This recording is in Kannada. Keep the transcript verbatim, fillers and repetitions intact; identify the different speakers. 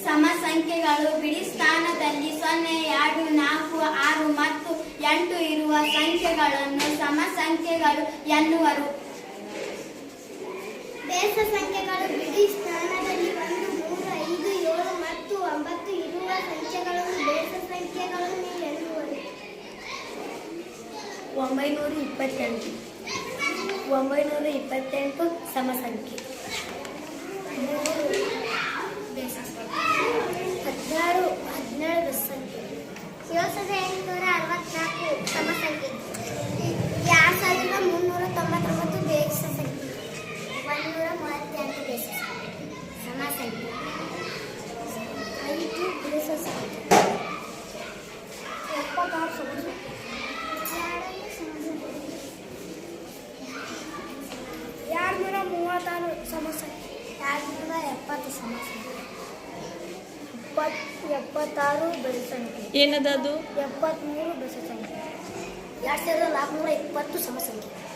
Speaker 1: ಸಮ ಸಂಖ್ಯೆಗಳು ಬಿಡಿ ಸ್ಥಾನದಲ್ಲಿ ಸೊನ್ನೆ, ಎರಡು, ನಾಲ್ಕು, ಆರು ಮತ್ತು ಎಂಟು ಇರುವ ಸಂಖ್ಯೆಗಳನ್ನು ಸಮ ಸಂಖ್ಯೆಗಳು ಎನ್ನುವರು.
Speaker 2: ಬೇಸ ಸಂಖ್ಯೆಗಳು ಬಿಡಿ ಸ್ಥಾನದಲ್ಲಿ ಒಂದು, ಮೂರು, ಐದು, ಏಳು ಮತ್ತು ಒಂಬತ್ತು ಇರುವ ಸಂಖ್ಯೆಗಳನ್ನು ಬೇಸ ಸಂಖ್ಯೆಗಳು ಎನ್ನುವರು.
Speaker 1: ಒಂಬೈನೂರ ಇಪ್ಪತ್ತೆಂಟು ಒಂಬೈನೂರ ಇಪ್ಪತ್ತೆಂಟು ಸಮ ಸಂಖ್ಯೆ.
Speaker 2: ಹದಿನಾರು ಹದಿನೇಳು ಬೆಸ ಸಂಖ್ಯೆ. ಏಳು ಸಾವಿರದ ಎಂಟುನೂರ ಅರವತ್ನಾಲ್ಕು ಸಮ ಸಂಖ್ಯೆ. ಎರಡು ಸಾವಿರದ ಮುನ್ನೂರ ತೊಂಬತ್ತೊಂಬತ್ತು ಬೇಸ ಸಂಖ್ಯೆ. ಒಂದೂರ ಮೂವತ್ತೆಂಟು ಬೇಸ ಸಂಖ್ಯೆ ಸಮ ಸಂಖ್ಯೆ. ಐದು ಬೇಸ ಸಂಖ್ಯೆ. ಎಪ್ಪತ್ತಾರು ಸಮ ಸಂಖ್ಯೆ. ಎರಡುನೂರ ಮೂವತ್ತಾರು ಸಮ ಸಂಖ್ಯೆ. ಎರಡುನೂರ ಎಪ್ಪತ್ತು ಸಮ ಸಂಖ್ಯೆ. ಎಪ್ಪತ್ತಾರು ಬೆಸ ಸಂಖ್ಯೆ.
Speaker 3: ಏನದು?
Speaker 2: ಎಪ್ಪತ್ತ್ಮೂರು ಬೆಸ ಸಂಖ್ಯೆ. ಎರಡು ಸಾವಿರದ ನಾಲ್ಕುನೂರ ಇಪ್ಪತ್ತು ಸಮ ಸಂಖ್ಯೆ.